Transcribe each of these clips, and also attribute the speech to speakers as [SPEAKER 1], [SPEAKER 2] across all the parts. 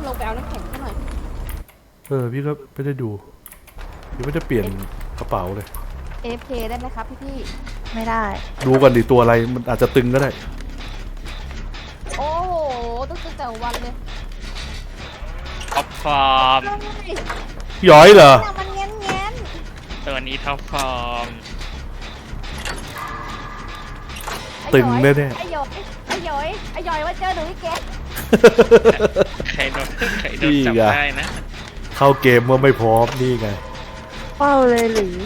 [SPEAKER 1] ลงไปเอาน้ำแข็งซะหน่อย
[SPEAKER 2] พี่ก็ไม่ได้ดูพี่ไม่ได้เปลี่ยนกระเป๋าเลย
[SPEAKER 1] AFK ได้ไหมครับพี่
[SPEAKER 3] ไม่ได้
[SPEAKER 2] ดูก่อนดิตัวอะไรมันอาจจะตึงก็ได้
[SPEAKER 1] โอ้โหต้องตั้งแต่วันเลย
[SPEAKER 4] ท็อปฟอร์ม
[SPEAKER 2] ย้อยเหรอ
[SPEAKER 1] มันเงี้ยเงี้ย
[SPEAKER 4] ตัวนี้ท็อปฟอร์ม
[SPEAKER 2] ตึงแน่
[SPEAKER 1] ไอ้ย้อยว่าเจอหนูพี่แก
[SPEAKER 4] ใครโดนจับได้นะ
[SPEAKER 2] เข้าเกมว่าไม่พร้อมนี่ไง
[SPEAKER 3] เป้าเลยหรือ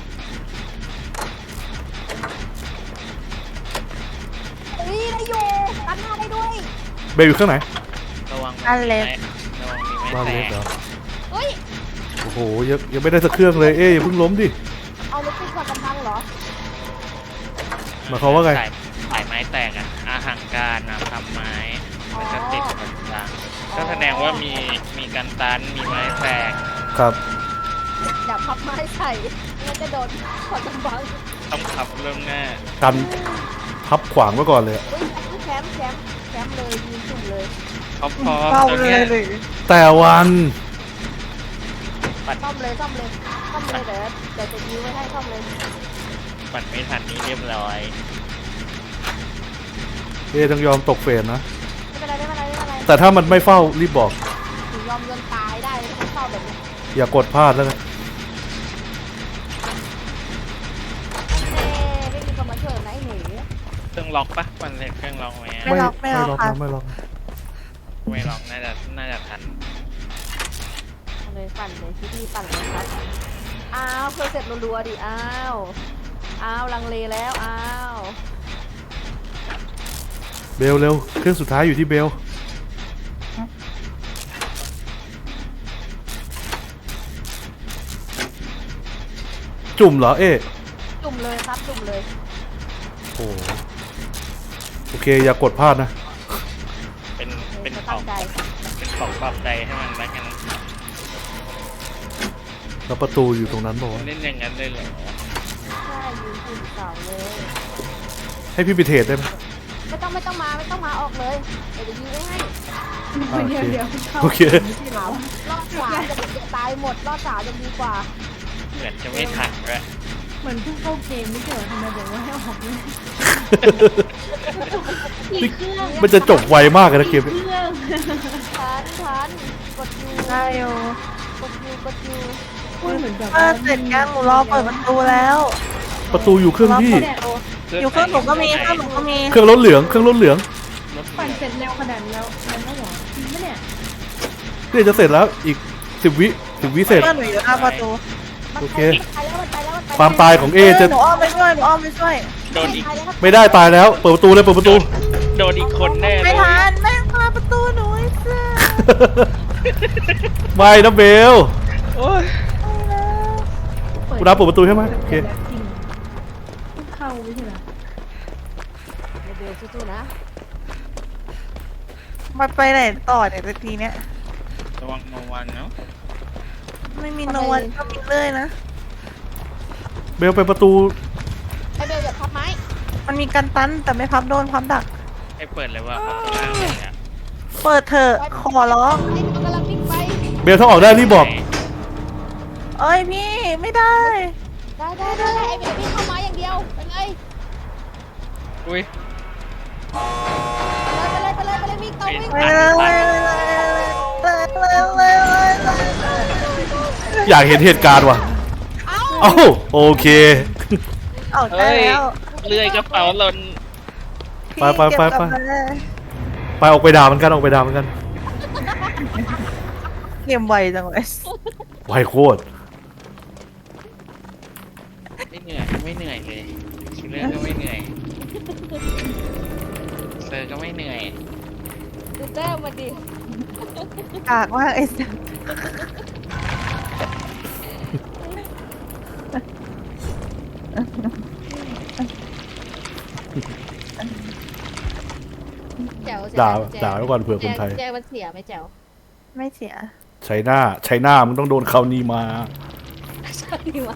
[SPEAKER 1] นี่ได้อยู่กันหน้าได้ด้วย
[SPEAKER 2] เบลอยู่ข้างไหน
[SPEAKER 4] ระวัง
[SPEAKER 3] อันเล็ก
[SPEAKER 4] ระวังมีไม้แตก
[SPEAKER 1] เฮ้ย
[SPEAKER 2] โอ้โหยังไม่ได้สักเครื่องเลยอย่าเพิ่งล้มดิ
[SPEAKER 1] เอาลูกปิดก่อนกำพังเหรอ
[SPEAKER 2] หมายความว่าไง
[SPEAKER 4] สายไม้แตกอ่ะอาหังการนะทำไม้แล้วก็ติดต่างๆก็แสดงว่ามีการตันมีไม้แตก
[SPEAKER 2] ครับ
[SPEAKER 1] อย่าพับไม้ใส่งั้นจะโดนขอจำบัง
[SPEAKER 4] ต้องขับเริ่มหน้า
[SPEAKER 2] กันพับขวางไว้ก่อนเลย
[SPEAKER 1] แคมป์เลยยืนจุ่มเลย
[SPEAKER 4] ท็อปฟอร์มตัวเนี้ย
[SPEAKER 2] แต่วัน
[SPEAKER 1] ซ่อมเลยเดี๋ยวจะยื้อไว้ให้ซ่อมเลย
[SPEAKER 4] ปั่นไม่ทันนี้เรียบร้อย
[SPEAKER 2] ต้องยอมตกเฟรนนะ
[SPEAKER 1] ไม่เป็นไร
[SPEAKER 2] แต่ถ้ามันไม่เฝ้ารีบบอก
[SPEAKER 1] ยอมจนตายได้ไม่เฝ้าแบบนี้
[SPEAKER 2] อย่ากดพลาดแล้วกัน
[SPEAKER 1] ไม่มีคนมาช่วยไหนหนี
[SPEAKER 4] เครื่องล็อกปะมันเป็นเครื่องล็อกไหม
[SPEAKER 3] ไม่ล็อก
[SPEAKER 2] ไม่ล็อก
[SPEAKER 4] น่าจะทัน
[SPEAKER 1] เลยปั่นเลยพี่ปั่นเลยครับอ้าวเคยเสร็จรัวๆดิอ้าวลังเลแล้วอ้าว
[SPEAKER 2] เบลเร็วเครื่องสุดท้ายอยู่ที่เบลจุ่มเหรอ
[SPEAKER 1] จุ่มเลยครับจุ่มเลย
[SPEAKER 2] โอเคอย่ากดพลาดนะ
[SPEAKER 4] เป็นของปรับใจให้มันแล้วกัน
[SPEAKER 2] แล้วประตูอยู่ตรงนั้นบอกว่า
[SPEAKER 4] เล่นอย่างนั้นเลยเหรอ
[SPEAKER 1] ใช่ยืนจุ่มเสาเลย
[SPEAKER 2] ให้พี่ไปเทรดได้ไหม
[SPEAKER 1] ไม่ต้องมาออกเลยเดี๋ยวยืนไว้ให้
[SPEAKER 2] เดี๋ยวโอเค
[SPEAKER 1] รอบขวาจะตายหมดรอบสามจะดีกว่า
[SPEAKER 4] เหมือนจะไม่ทันด้วย
[SPEAKER 1] เหมือนเพิ่งเข้าเกมไม่เกี่ยวทำไมบอกว่าให้ออกเลย
[SPEAKER 2] มันจะจบไวมากเลยนะเกมนี้
[SPEAKER 1] ทันกดยู
[SPEAKER 3] ได้โย
[SPEAKER 1] กดยูพูดเหมือนแบบ
[SPEAKER 3] เสร็จยังหนูรอเปิดประตูแล้ว
[SPEAKER 2] ประตูอยู่เครื่องพี่
[SPEAKER 3] อยู่เครื่องหนูก็มีเค
[SPEAKER 2] รื่องรถเหลือง
[SPEAKER 1] ปั่นเสร็จแล้วขนาดแล้วไม่หรอจริงปะเนี่ย
[SPEAKER 2] นี่จะเสร็จแล้วอีก10 วิเสร็จ
[SPEAKER 3] เพื่อนหนูอยู่หน้าประตู
[SPEAKER 2] โอเคความตายของจะ
[SPEAKER 3] หนูอ้อมไปช่วย
[SPEAKER 4] โดนอีก
[SPEAKER 2] ไม่ได้ตายแล้วเปิดประตูเลย
[SPEAKER 4] โดนอีกคนแน่
[SPEAKER 3] ไม่ทันแม่งพาประตูหนูไอ้เสื้อ
[SPEAKER 2] ไม่นะเบลกูรับเปิดประตูใช่ไหมโอเค
[SPEAKER 1] เข้าไม่ใช่เหรอเบลสู้ๆนะ
[SPEAKER 3] มาไปไหนต่อเนี่ยทีเนี้ย
[SPEAKER 4] ระวังโนวันเนาะ
[SPEAKER 3] ไม่มีโนวันก็มีเลยนะ
[SPEAKER 2] เบลไปประตู
[SPEAKER 1] ไอเบลอย่าพับไม้
[SPEAKER 3] มันมีกันตันแต่ไม่พับโดนพับดัก
[SPEAKER 4] ให้เปิดเลยว่าพับล่างเลยอ่ะ
[SPEAKER 3] เปิดเถอะขอร้อง
[SPEAKER 1] กำลังวิ่งไป
[SPEAKER 2] เบลถ้าออกได้รีบบอก
[SPEAKER 3] เอ้ยพี่ไม่ได้
[SPEAKER 1] ไอเบลวิ่งเข้ามาอย่างเดียวเป็นไง
[SPEAKER 4] อุ้ย
[SPEAKER 1] ไปเลยวิ่งต่อวิ่ง
[SPEAKER 2] อยากเห็นเหตุการณ์ว่ะเอ้าโอเค
[SPEAKER 3] ออกได้แล้ว
[SPEAKER 4] เลื่อยกระเป๋าหล่น
[SPEAKER 2] ไปออกไปด่ามันกัน
[SPEAKER 3] เกมไวจังเลย
[SPEAKER 2] ไวโคตร
[SPEAKER 4] ไม่เหนื่อยเลยคิลเลอร์ก็ไม่เหนื่อยเซอร์ก็ไม่เหนื่อย
[SPEAKER 1] ดูแต้มมาดิ
[SPEAKER 3] กากมากไอ้สัส
[SPEAKER 2] ด่าไว้ก่อนเผื่อคนไทย
[SPEAKER 1] แจวมันเสียไหมแจว
[SPEAKER 3] ไม่เสีย
[SPEAKER 2] ใช้หน้ามึงต้องโดนเขานี่มา
[SPEAKER 1] ใช่วะ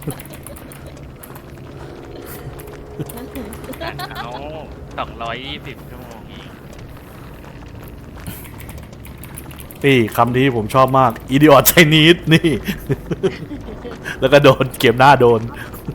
[SPEAKER 4] เอา220 ชั่วโมงนี้
[SPEAKER 2] นี่คำนี้ผมชอบมาก idiot Chinese นี่ แล้วก็โดนเกมหน้าโดน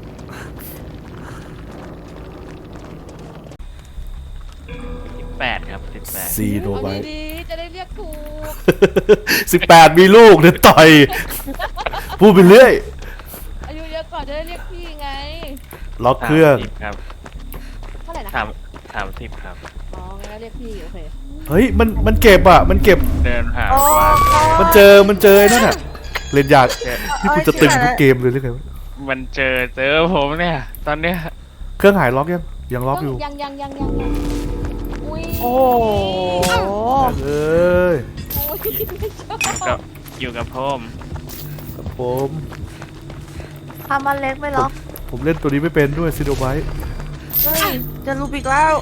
[SPEAKER 4] 18ครับ18
[SPEAKER 2] ซีโน
[SPEAKER 1] เอา
[SPEAKER 2] ไบ
[SPEAKER 1] ดีๆจะได้เรียกถูก
[SPEAKER 2] 18 มีลูกเดี๋ยวต่อย พูดไปเรื่อย
[SPEAKER 1] อายุเยอะกว่าจะได้เรียกพี่ไง
[SPEAKER 2] ล็อกเครื่อง
[SPEAKER 4] 30ครับ
[SPEAKER 1] เท่าไหร่นะ
[SPEAKER 4] 30ครับ
[SPEAKER 1] อ๋องั้นก็เรียกพี่โอเค
[SPEAKER 2] เฮ้ย มันเก็บอ่ะ มันเก็บ
[SPEAKER 4] เดินหา
[SPEAKER 3] โอ้
[SPEAKER 4] ว่า
[SPEAKER 2] มันเจอไอ้นั่นอ่ะ เล่นยากนี่คุณจะตึงทุกเกมเลยหรือไงวะ
[SPEAKER 4] มันเจอผมเนี่ย ตอนเนี้ย
[SPEAKER 2] เครื่องหายล็อกยังล็อกอยู่
[SPEAKER 1] ยังอุ้ย
[SPEAKER 3] โอ้โห
[SPEAKER 2] เอ้ย
[SPEAKER 1] โอ้ยไม่ชอบ
[SPEAKER 4] ก็อยู่กับผม
[SPEAKER 2] ครับผม
[SPEAKER 3] ทำมันเล็กไม่ล็อก
[SPEAKER 2] ผมเล่นตัวนี้ไม่เป็นด้วยซีโนไบ
[SPEAKER 3] เฮ้ยจะรูบิกแล้ว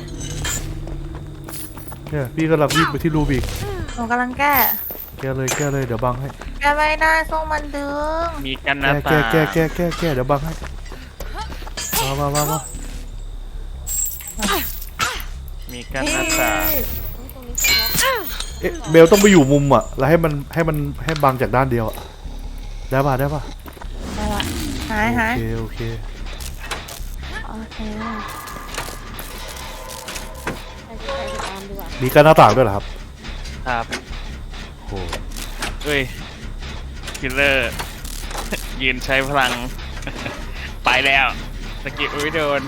[SPEAKER 2] เนี่ยพี่กำลังวิ่งไปที่รูบิก
[SPEAKER 3] หนูกำลังแก้
[SPEAKER 2] แก้เลยเดี๋ยวบังให้
[SPEAKER 3] แก้ไม่ได้ส่งมันดึง
[SPEAKER 4] มีกันหน้า
[SPEAKER 2] แก้
[SPEAKER 4] ตา
[SPEAKER 2] แก้เดี๋ยวบังให้มา
[SPEAKER 4] มีกันหน้าตา
[SPEAKER 1] ตรงนี้ใช่ไหม
[SPEAKER 2] เอ๊ะเบลต้องไปอยู่มุมอ่ะแล้วให้บังจากด้านเดียวอ่ะได้ป่ะ
[SPEAKER 3] ได้ละหาย
[SPEAKER 2] โอเค
[SPEAKER 3] โอเค
[SPEAKER 1] ใครจะไปตามดีกว่า
[SPEAKER 2] มีการหน้าต่างด้วยเหรอครับ
[SPEAKER 4] ครับ
[SPEAKER 2] โอ้โห
[SPEAKER 4] เฮ้ยคิลเลอร์ ยืนใช้พลัง ไปแล้วสกิลไม่โดน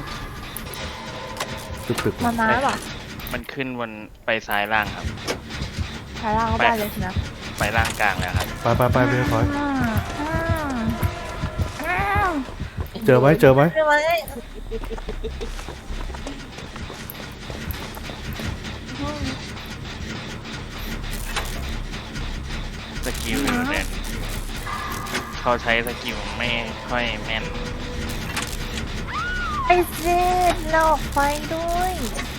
[SPEAKER 2] ตึก
[SPEAKER 3] มาน้ำเหรอ
[SPEAKER 4] มันขึ้นบนไปซ้ายล่างครับ
[SPEAKER 3] ถ่ายล่างก็ได้เลยสินะ
[SPEAKER 4] ไปล่างกลางแล้วครับ
[SPEAKER 2] ไปเบลถอย
[SPEAKER 3] อืม
[SPEAKER 2] เจอไหม
[SPEAKER 3] เจอไหม
[SPEAKER 4] สกิลอยู่เนี่ยเขาใช้สกิลไม่ค่อยแม่น
[SPEAKER 3] ไอ้เจ็ดหลอกไฟด้วย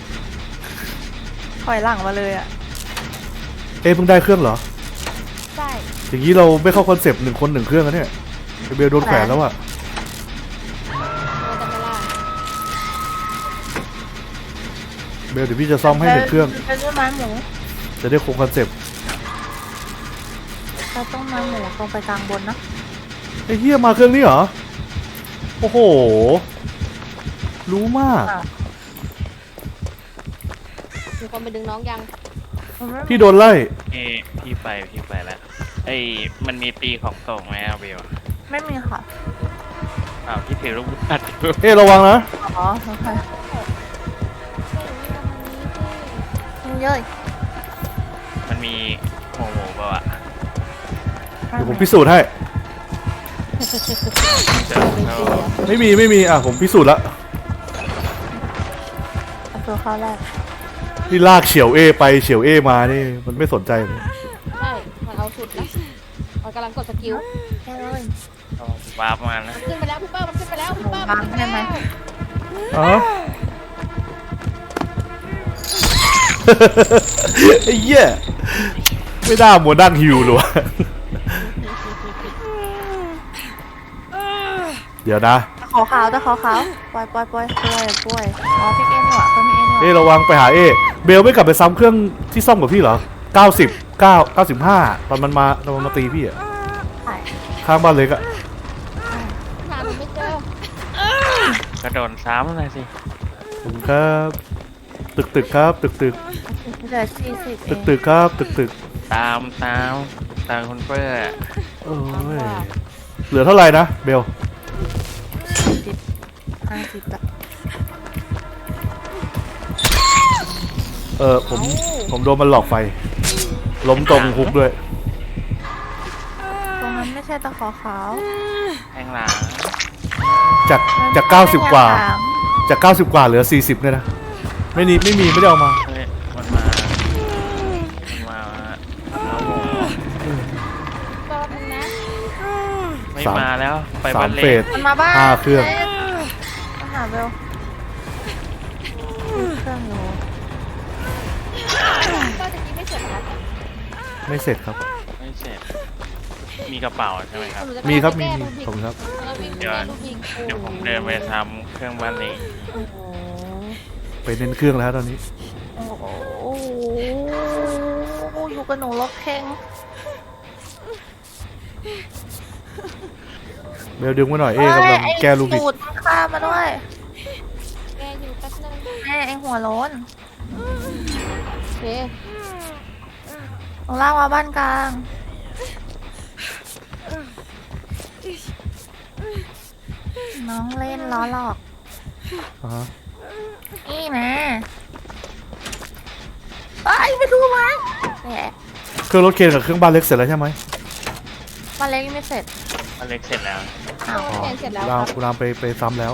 [SPEAKER 3] ถอยหลังมาเลยอ่ะ
[SPEAKER 2] เอ๊ะเพิ่งได้เครื่องเหรอ
[SPEAKER 1] ได้
[SPEAKER 2] อย่างนี้เราไม่เข้าคอนเซปต์1 คน 1 เครื่องแล้วเนี่ยเบลโดนแขวนแล้วอ่ะ
[SPEAKER 1] เราจะไม่ล่า
[SPEAKER 2] เบลเดี๋ยวพี่จะซ่อมให้1 เครื่อง
[SPEAKER 3] เป็นด้วยไม้หมู
[SPEAKER 2] จะได้คงคอนเซปต์
[SPEAKER 3] เราต้องไม้หมูตรงไปกลางบนเนอะ
[SPEAKER 2] ไอ้เฮียมาเครื่องนี้เหรอโอ้โหรู้มาก
[SPEAKER 1] มีคนไปดึงน้องยัง
[SPEAKER 2] พี่โดนไล่
[SPEAKER 4] พี่ไปแล้วไอ้มันมีตีของส่งไหมอะเบล
[SPEAKER 3] ไม่มีค่ะ
[SPEAKER 4] อ้าวพี่ถือลูกบัตรอยู่
[SPEAKER 2] เอ๊ะระวังนะ
[SPEAKER 3] อ๋อโอเคเยอะ
[SPEAKER 4] มันมีหัวหมูเปล่าอะ
[SPEAKER 2] เดี๋ยวผมพิสูจน์ให้
[SPEAKER 4] เจอเขา
[SPEAKER 2] ไม่มีอ่ะผมพิสูจน์ละ
[SPEAKER 3] เอาตัวเข้าแรก
[SPEAKER 2] นี่ลากเฉียวเอไปเฉียวเอมานี่มันไม่สนใจเลย
[SPEAKER 1] ใช่มันเอาสุดนะมันกำลังกดสกิล
[SPEAKER 3] แค่เลย
[SPEAKER 4] เขาวาร์ปมาแล้ว
[SPEAKER 1] ขึ้นไปแล้วพี่เปิ้ลมันขึ้นไปแล้วพี่เปิ้ล
[SPEAKER 3] บังใช่ไหม
[SPEAKER 2] อ๋อ ไอ้เหี้ยไม่น่ามัวนั่งฮิวเลยวะเดี๋ยวนะ
[SPEAKER 3] ขาวขาวแต่ขาวขาวปล่อยอ๋อพี่เอ็นนี่หว่าเพิ่มพี่เอ็นนี่ห
[SPEAKER 2] เอ๊ะ
[SPEAKER 3] ว่า
[SPEAKER 2] ระวังไปหาเบลไม่กลับไปซ้ำเครื่องที่ซ่อมกับพี่เหรอ95ตอนมันมาตีพี่อะ
[SPEAKER 3] ใช่
[SPEAKER 2] ข้างบ้านเล็กอะ
[SPEAKER 1] หาหนูไม่เจอก
[SPEAKER 4] ระโดดซ้ำเลยสิ
[SPEAKER 2] ขอบคุณครับตึกครับตึก
[SPEAKER 3] เหลือ40เอง
[SPEAKER 2] ตึกครับตึก
[SPEAKER 4] ตามคุณเปอร์
[SPEAKER 2] โอ้ยเหลือเท่าไหร่นะเบล
[SPEAKER 3] 50ละ
[SPEAKER 2] ผมโดนมันหลอกไฟ ล้มตรงฮุกด้วย
[SPEAKER 3] ตรงนั้นไม่ใช่ตะขอขาว
[SPEAKER 4] แทงหลัง
[SPEAKER 2] จาก90 กว่า จาก90 กว่าเหลือ40เนี่ยนะไม่ได้เอามา
[SPEAKER 4] เฮ้ยมันมาเอาหมู
[SPEAKER 1] แป๊บนึงนะ
[SPEAKER 4] ไม่
[SPEAKER 2] สาม
[SPEAKER 4] มาแล้วไปบ้าน
[SPEAKER 2] 3
[SPEAKER 4] เล็
[SPEAKER 2] เฟ
[SPEAKER 4] ก
[SPEAKER 2] ส
[SPEAKER 3] มันมาบ้าน
[SPEAKER 2] 5 เครื่อง
[SPEAKER 3] มาหาเบลเครื่องอยู่
[SPEAKER 1] ก็จะกี้ไม่เสร็จนะ
[SPEAKER 2] ไม่เสร็จครับ
[SPEAKER 4] ไม่เสร็จมีกระเป๋าใช่ไหมครับ
[SPEAKER 2] มีครับมี
[SPEAKER 1] แก้ลูก
[SPEAKER 2] ขอบคุณครับ
[SPEAKER 1] แล้ววิ่ง
[SPEAKER 4] เดี๋ยว
[SPEAKER 1] แก้ลูกยิง
[SPEAKER 4] เดี๋ยวผมเดินไปทำเครื่องบ้านเล็ก
[SPEAKER 3] โอ้โห
[SPEAKER 2] ไปเน้นเครื่องแล้วตอนนี้
[SPEAKER 3] โอ้โหอยู่กับหนูรถเพลง
[SPEAKER 2] เบลดึงไว้หน่อยเอกำลังแก้ลูบิก
[SPEAKER 3] สูตรข้ามมาด้วย
[SPEAKER 1] แกอยู่แป๊บนึง
[SPEAKER 3] แม่ไอหัวโล้น
[SPEAKER 1] โอเค
[SPEAKER 3] ลงล่างมาบ้านกลางน้องเล่นล้อหลอก
[SPEAKER 2] อ่าฮะ
[SPEAKER 3] นี่นะไอ้ยไม่รู้ไหมแหม
[SPEAKER 2] เครื่องรถเคนกับเครื่องบ้านเล็กเสร็จแล้วใช่ไหม
[SPEAKER 3] บ้านเล็กยังไม่เสร็จ
[SPEAKER 4] อเล็กเสร็จแล้ว
[SPEAKER 3] อ้าว
[SPEAKER 1] โอเคเสร็จแล้ว
[SPEAKER 2] คุณ
[SPEAKER 1] ค
[SPEAKER 2] ราม
[SPEAKER 1] รับ
[SPEAKER 2] คุณรามไปซ้ำแล้ว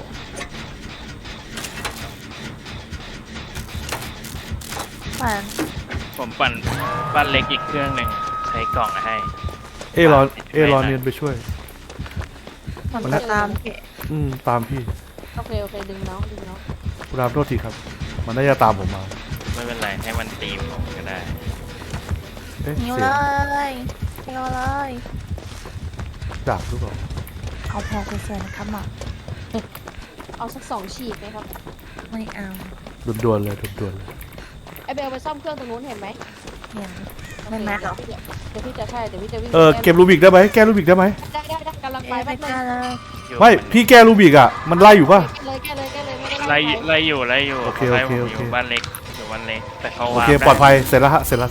[SPEAKER 3] ปั่น
[SPEAKER 4] ผมปั่นบ้านเล็กอีกเครื่องหนึ่งใช้กล่องให้
[SPEAKER 2] เอรอเนียนไปช่วย
[SPEAKER 3] มันจะตามเกะ
[SPEAKER 2] ตามพี่
[SPEAKER 1] โอเคโอเคดึงน้องดึงน้อง
[SPEAKER 2] คุณรามโทษทีครับ มันน่าจะตามผมมา
[SPEAKER 4] ไม่เป็นไรให้มันตีมผมก็ได้
[SPEAKER 2] เอ๊ะ
[SPEAKER 3] หิว
[SPEAKER 2] เสี
[SPEAKER 3] เลย ยหิวเลย
[SPEAKER 2] ดาบหรือเปล่า
[SPEAKER 3] เอาแพรสวยๆนะครับหมอ
[SPEAKER 1] เอาสัก2 ฉีกนะครับ
[SPEAKER 3] ไม่เอา
[SPEAKER 2] ด่วนๆเลยด่วนๆเลย
[SPEAKER 1] ไอเบลไปซ่อมเครื่องตรงนู้นเห็นไหม
[SPEAKER 3] เห็น
[SPEAKER 1] โอ
[SPEAKER 3] ไม่
[SPEAKER 1] เค
[SPEAKER 3] แมทหรอ
[SPEAKER 1] เดี๋ยวพี่จะใช่เดี๋ยวพี่จะวิ่ง
[SPEAKER 2] เก็บลูบิกได้ไหมแก้ลูบิกได้ไหม
[SPEAKER 1] ได้กำลังไป
[SPEAKER 3] ไป
[SPEAKER 1] แป๊บนึง
[SPEAKER 3] กันเลย
[SPEAKER 4] อยู่
[SPEAKER 2] ไม่พี่แก้ลูบิกอ่ะมันไล่อยู่ป่ะ
[SPEAKER 1] แก้เลยไม่ได้
[SPEAKER 4] ไล่
[SPEAKER 1] ไป
[SPEAKER 4] ไล่อยู่ไล่อยู่
[SPEAKER 2] โอเค
[SPEAKER 4] ไล่ผม
[SPEAKER 2] โอ
[SPEAKER 4] อ
[SPEAKER 2] เค
[SPEAKER 4] ยู่บ้านเล็กอยู่บ้านเล็กแต่เขา
[SPEAKER 2] โอ
[SPEAKER 4] วาง
[SPEAKER 2] เคปลอดภัยเสร็จแล้วฮะเสร็จแล้ว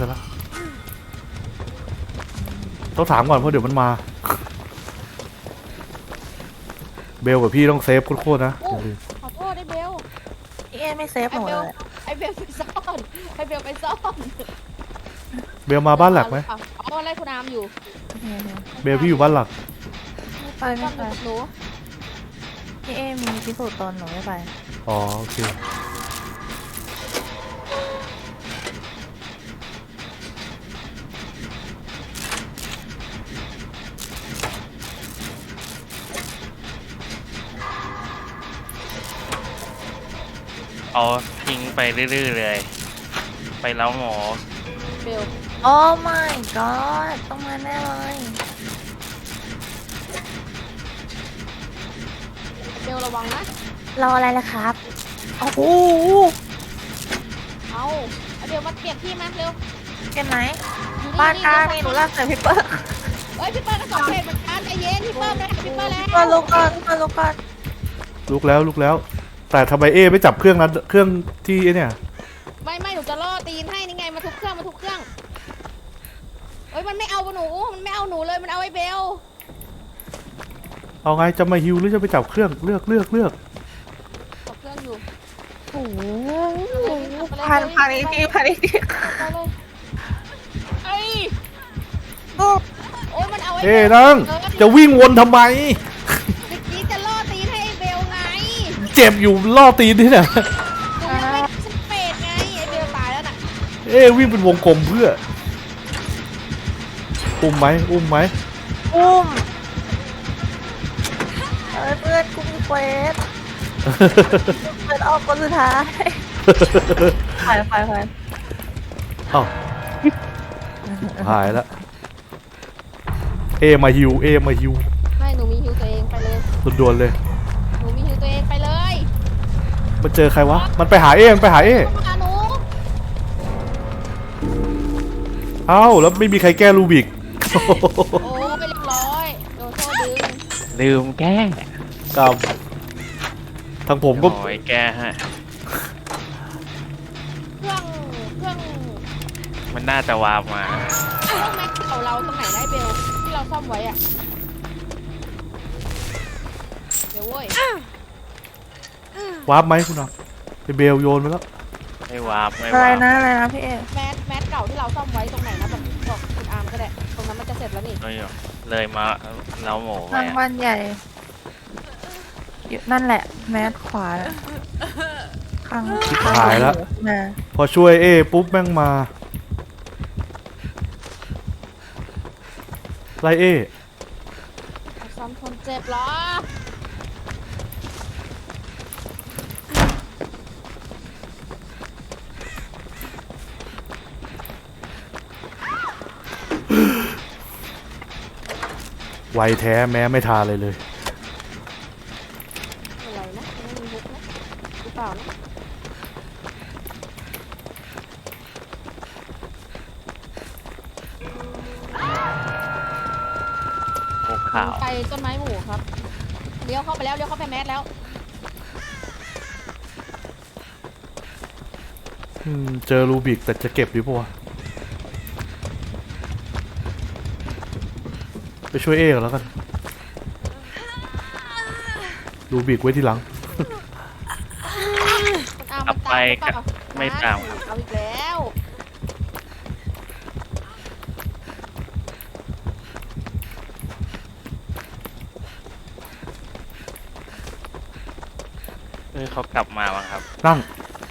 [SPEAKER 2] ต้องถามก่อนเพราะเดี๋ยวมันมา เบลกับพี่ต้องเซฟโคตรๆนะอย่าลืม
[SPEAKER 1] ขอโทษไอเบล
[SPEAKER 3] พี่เอไม่เซฟหนูเลย
[SPEAKER 1] ไอเบลไปซ่อนไอเบลไปซ่อน
[SPEAKER 2] เบลมาบ้านหลักไหม
[SPEAKER 1] อ๋อไล่คุณอามอยู่
[SPEAKER 2] เบลพี่อยู่บ้านหลัก
[SPEAKER 3] ไม่ไป
[SPEAKER 1] ซ่อ
[SPEAKER 3] ไม่
[SPEAKER 1] น
[SPEAKER 3] ไป
[SPEAKER 1] กับหนู
[SPEAKER 3] พี่เอมีพิสูจน์ตนหนูไม่ไป
[SPEAKER 2] อ๋อโอเค
[SPEAKER 4] เอาทิ้งไปเรื่อยๆเลย ไปเล้าหมอ
[SPEAKER 1] เบล
[SPEAKER 3] โอ้ my god ต้องมาแน่เลย
[SPEAKER 1] เบลระวังนะ
[SPEAKER 3] รออะไรล่ะครับโอ้โห
[SPEAKER 1] เอาไอเบลมาเปลี่ยนที่มาเร็ว
[SPEAKER 3] เกันไหน
[SPEAKER 1] อยู่
[SPEAKER 3] บ้านกลางนี่หนูลากใส่พี่เปิ้ล
[SPEAKER 1] เอ้ยพี่เปิ้ลก็2 เพจเหมือนกันใจเย็นพี่เปิ้ลเลยพี่เปิ้ลแล้ว
[SPEAKER 3] มาลุกก่อนมาลุกก่อน
[SPEAKER 2] ลุกแล้ว แต่ทำไมเอไม่จับเครื่องนั้นเครื่องที่ไอ้เนี่ย
[SPEAKER 1] ไม่หนูจะล่อตีนให้นี่ไงมาทุกเครื่องเอ้ยมันไม่เอาหนูเลยมันเอาไอเบล
[SPEAKER 2] เอาไงจะมาฮิวหรือจะไปจับเครื่องเลือก
[SPEAKER 1] จับเครื่องอยู่
[SPEAKER 3] โอ้โหพันอีกที
[SPEAKER 1] ไปเลยไอ้ยโอ้ยมันเอาไอเบ
[SPEAKER 2] เอ้
[SPEAKER 1] ล
[SPEAKER 2] นั่งจะวิ่งวนทำไม
[SPEAKER 1] เมื่อกี้จะล่อตีนให้ไอเบลไง
[SPEAKER 2] เจ็บอยู่ล่อตีนที่เนี่ย
[SPEAKER 1] หนูยังไม่สเปดไงไอเบลตายแล้วน่ะ
[SPEAKER 2] เอ้วิ่งเป็นวงกลมเพื่อ อุ้มไหม
[SPEAKER 3] อุ้มเพื่อนกูมีเควสเปิดออกคนสุดท้ายไป
[SPEAKER 2] เอ้าหายแล้วเอมาฮิว
[SPEAKER 1] ไม่หนูมีฮิวตัวเองไปเลย
[SPEAKER 2] ด่วนๆเลย
[SPEAKER 1] หนูมีฮิวตัวเองไปเลย
[SPEAKER 2] มันเจอใครวะ มันไปหาเอมันไปหาเอ
[SPEAKER 1] เข้ามาหนู
[SPEAKER 2] เอ้าแล้วไม่มีใครแก้ลูบิก
[SPEAKER 1] โอ้ไปเรียบร้อยโดนโซ่ดึง
[SPEAKER 4] ลืมแก้
[SPEAKER 2] ครับทางผมก็
[SPEAKER 4] โอ้ยแก้ฮะ
[SPEAKER 1] เครื่อง
[SPEAKER 4] มันน่าจะวาร์ปมา
[SPEAKER 1] เครื่องแม็กเก่าเราตรงไหนได้เบลที่เราซ่อมไว้อะเดี๋ยวเว้ยว
[SPEAKER 2] าร์ปไหมคุณน้องไอเบลโยนไปแล้ว
[SPEAKER 4] ไม่วาร์ปไม่
[SPEAKER 3] อะไร
[SPEAKER 4] วาร์ป
[SPEAKER 3] นะพี่เอ
[SPEAKER 1] แมสเก่าที่เราซ่อมไว้ตรงไหนนะบอกคุณอาร์มก็ได้ตรงนั้นมันจะเสร็จแล้วนี่
[SPEAKER 4] เลยมาเล้าหมอไป
[SPEAKER 3] ทางบ้านใหญ่อยู่นั่นแหละแมสขวาน่ะข้าง
[SPEAKER 2] หายแล้ว
[SPEAKER 3] มา
[SPEAKER 2] พอช่วยเอปุ๊บแม่งมาไล่เอ
[SPEAKER 1] ซ่อมคนเจ็บเหรอ
[SPEAKER 2] ไวแท้แม้ไม่ทาเลยเลย
[SPEAKER 1] อะไรนะไม่มีฮุกนะหรือเปล่านะ
[SPEAKER 4] ขาว
[SPEAKER 1] ไปต้นไม้หมู่ครับเลี้ยวเข้าไปแล้วเลี้ยวเข้าไปแมสแล้ว
[SPEAKER 2] เจอรูบิกแต่จะเก็บดีปะวะไปช่วยเอกันแล้วกันรูบิกไว้ทีหลัง
[SPEAKER 4] กลับไปก็ไม่ตามครับ
[SPEAKER 1] เอาอีกแล้ว
[SPEAKER 4] เขากลับมาบ้างครับ
[SPEAKER 2] นั่ง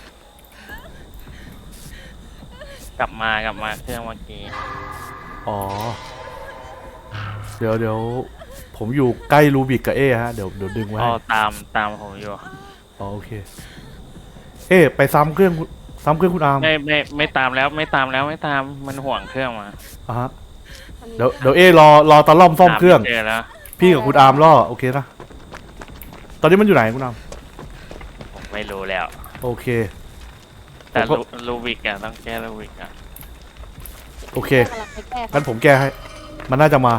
[SPEAKER 4] กลับมาเครื่องเมื่อกี้
[SPEAKER 2] อ๋อ เดี๋ยวผมอยู่ใกล้รูบิกกับเอฮะเดี๋ยวดึงไว้
[SPEAKER 4] อ๋อ
[SPEAKER 2] ให้
[SPEAKER 4] ตามผมอยู่
[SPEAKER 2] อ๋อโอเค เอไปซ้ำเครื่องคุณอาร์ม
[SPEAKER 4] ไม่ตามแล้วไม่ตามมันห่วงเครื่องมา
[SPEAKER 2] อ่ะฮะเดี๋ยวเอรอตะล่อมซ่อมเครื่อง
[SPEAKER 4] เจอแล้ว
[SPEAKER 2] พี่กับคุณอาร์มล่อโอเคนะตอนนี้มันอยู่ไหนคุณอาร์ม
[SPEAKER 4] ผมไม่รู้แล้ว
[SPEAKER 2] โอเค
[SPEAKER 4] แต่
[SPEAKER 2] ผมก็
[SPEAKER 4] ลูวิกอะต้องแก้ลูวิกอะ
[SPEAKER 2] โอเค
[SPEAKER 1] กำลังไปแก้
[SPEAKER 2] งั้นผมแก้ให้ มันน่าจะมา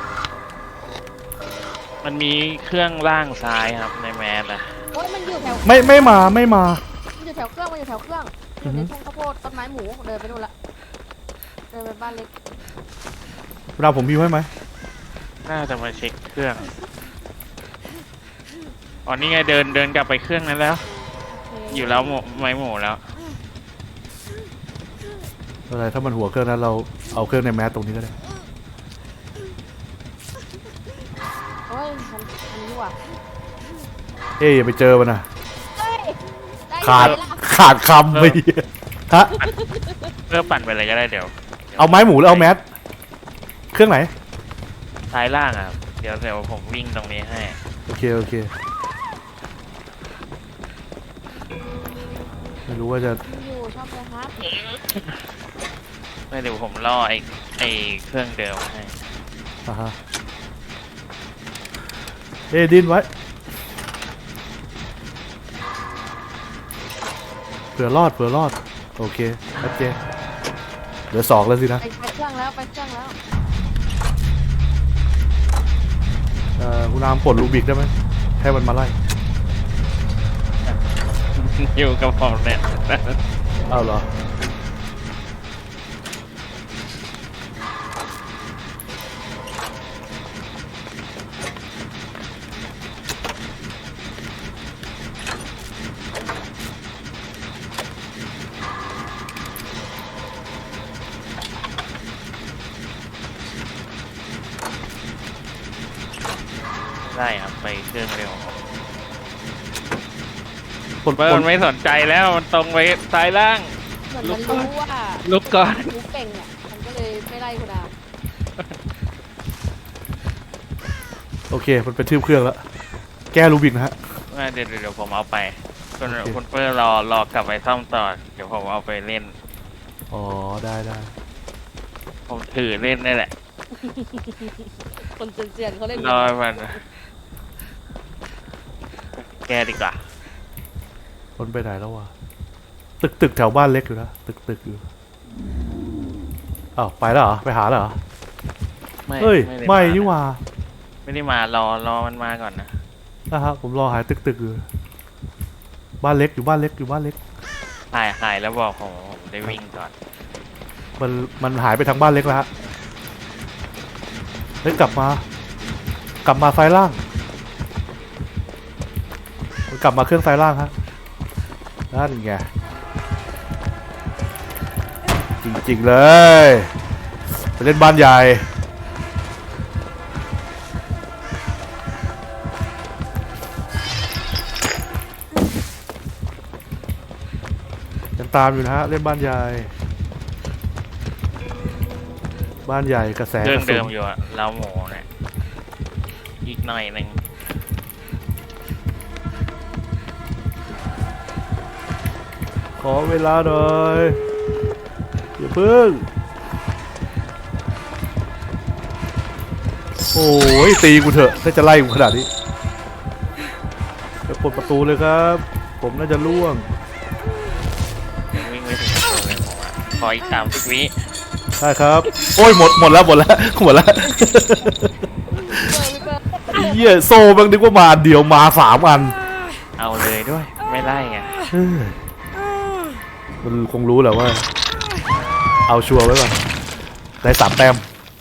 [SPEAKER 4] มันมีเครื่องล่างซ้ายครับในแมสอะ
[SPEAKER 1] โอ้ยมันอยู่แถว
[SPEAKER 2] ไม่มา
[SPEAKER 1] มันอยู่แถวเครื่องมันอยู่แถวเครื่องอยู่ในทุ่งข้าวโพดต้นไม้หมูเดินไปนู่นละเดินไปบ้านเล็ก
[SPEAKER 2] คุณอาร์มผมพิมพ์ให้ไหม
[SPEAKER 4] น่าจะมาเช็คเครื่องอ๋อนี่ไงเดินกลับไปเครื่องนั้นแล้ว
[SPEAKER 1] โเค
[SPEAKER 4] อยู่แล้วไม้หมูแล้ว
[SPEAKER 2] อะไรถ้ามันหัวเครื่องนั้นเราเอาเครื่องในแมสตรงนี้ก็ได้
[SPEAKER 1] โอ้ยมันนี่ว่ะ
[SPEAKER 2] เอ้ยอย่าไปเจอมันนะ
[SPEAKER 1] เฮ้ยได้
[SPEAKER 2] ขาด
[SPEAKER 1] ไหมล่ะ
[SPEAKER 2] ขาดคำไปฮะ
[SPEAKER 4] เพื่อปั่นไปเลยก็ได้เดี๋ยว
[SPEAKER 2] เอาไม้หมูหรือเอาแมสเครื่องไหน
[SPEAKER 4] ซ้ายล่างอะครับเดี๋ยวผมวิ่งตรงนี้ให้
[SPEAKER 2] โอเคไม่รู้ว่าจะ
[SPEAKER 1] อยู่ชอบเลยครับ
[SPEAKER 4] ไม่เดี๋ยวผมล่อไอ้เครื่องเดิมให้
[SPEAKER 2] อ่าฮะเอ้ยดิ้นไว้เผื่อรอดโอเคชัดเจนเหลือ2แล้วสินะ
[SPEAKER 1] ไปเครื่องแล้วไปเครื่องแล้ว
[SPEAKER 2] คุณอามปลดลูบิกได้ไหมให้มันมาไล่
[SPEAKER 4] อยู่กับผมเนี่ย
[SPEAKER 2] อ้าวเหรอ
[SPEAKER 4] ได้ครับไปเครื่องเร็ว
[SPEAKER 2] ปลด
[SPEAKER 4] เปิดไม่สนใจแล้วมันตรงไปซ้ายล่าง
[SPEAKER 1] เหมือนมันรู้ว่า
[SPEAKER 4] ลุกก่อน
[SPEAKER 1] รู้เก่งอ่ะมันก็เลยไม่ไล่คุณอา
[SPEAKER 2] โอเคมันเป็นทืบเครื่องแล้วแก้ลูบิกนะฮะ
[SPEAKER 4] เดี๋ยวผมเอาไปคุณเปิ้ลรอกลับไปซ่อมต่อเดี๋ยวผมเอาไปเล่น
[SPEAKER 2] อ๋อได้
[SPEAKER 4] ผมถือเล่นนี่แหละ
[SPEAKER 1] คนเซียนๆเขาเล่น
[SPEAKER 4] รอให้มันแก้ดีกว่า
[SPEAKER 2] คนไปไหนแล้ววะตึกแถวบ้านเล็กอยู่นะตึกอยู่อ้าวไปแล้วเหรอไปหาแล้วเหรอเฮ้ย
[SPEAKER 4] ด้
[SPEAKER 2] ไม่
[SPEAKER 4] า
[SPEAKER 2] นี่หว่า
[SPEAKER 4] ไม่ได้มารอมันมาก่อนนะ
[SPEAKER 2] นะครับผมรอหายตึกอยู่บ้านเล็กอยู่บ้านเล็ก
[SPEAKER 4] หายแล้วบอกผมได้วิ่งก่อน
[SPEAKER 2] มันหายไปทางบ้านเล็กแล้วฮะเฮ้ยกลับมาซ้ายล่างมันกลับมาเครื่องซ้ายล่างฮะนั่นไงจริงๆเลยไปเล่นบ้านใหญ่ยังตามอยู่นะฮะเล่นบ้านใหญ่กระแส
[SPEAKER 4] เครื่อง
[SPEAKER 2] กระสุ
[SPEAKER 4] เดิ
[SPEAKER 2] น
[SPEAKER 4] มอยู่อะเราหมูเนี่ยอีกหน่อยหนึ่ง
[SPEAKER 2] ขอเวลาหน่อยอย่าเพิ่งโอ้ยตีกูเถอะถ้าจะไล่กูขนาดนี้จะเปิดประตูเลยครับ ผมน่าจะล่วง
[SPEAKER 4] ยังวิ่งไม่ถึงประตูเลยผมอะขออีก30 วิ
[SPEAKER 2] ได้ครับ โอ้ยหมดแล้ว
[SPEAKER 1] ช่วย
[SPEAKER 2] เหี้ยโซ่แม่งนึกว่ามาอันเดียวมา3 อัน
[SPEAKER 4] เอาเลยด้วย ไม่ไล่ไง
[SPEAKER 2] เฮ้ยมันคงรู้แหละว่า เอาชัวร์ไว้ก่อนได้3 แต้ม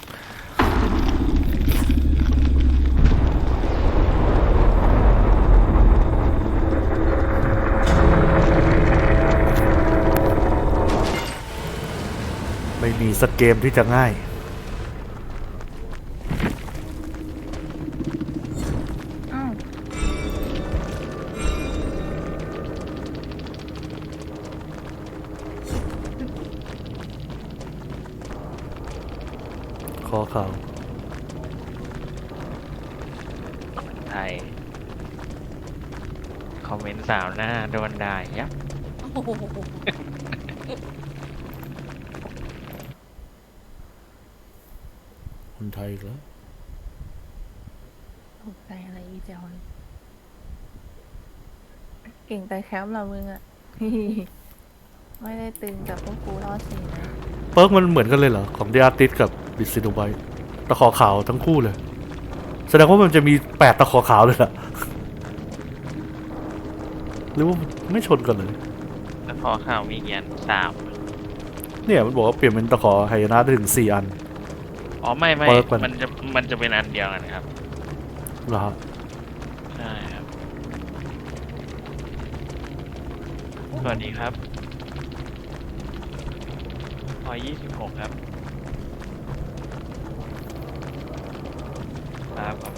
[SPEAKER 2] ไม่มีสักเกมที่จะง่ายคอเข่า
[SPEAKER 4] ไทย คอมเมนต์สาวหน้าโดนด่ายับ
[SPEAKER 1] โอ้โห
[SPEAKER 2] คนไทยอีกแล้ว
[SPEAKER 3] ตกใจอะไรอีเจ้าเลยเก่งแต่แคมป์เรามึงอะ ไม่ได้ตึงกับพวกกูรอดสีนะ
[SPEAKER 2] เปิร์กมันเหมือนกันเลยเหรอ ของ The Artist กับ บิสซิโนไบตะขอขาวทั้งคู่เลย แสดงว่ามันจะมี8 ตะขอขาวเลยล่ะ หรือว่าไม่ชนกันเลย
[SPEAKER 4] แล้วพอข่าวมีเงี้ย3
[SPEAKER 2] เนี่ยมันบอกว่าเปลี่ยนเป็นตะขอไหนะได้ถึง4 อัน
[SPEAKER 4] อ๋อไม่
[SPEAKER 2] เปิร์กมัน
[SPEAKER 4] มันจะเป็นอันเดียวกันครับ
[SPEAKER 2] เหรอครับ
[SPEAKER 4] ใช่ครับ สวัสดีครับพอ26 ครับ ครับ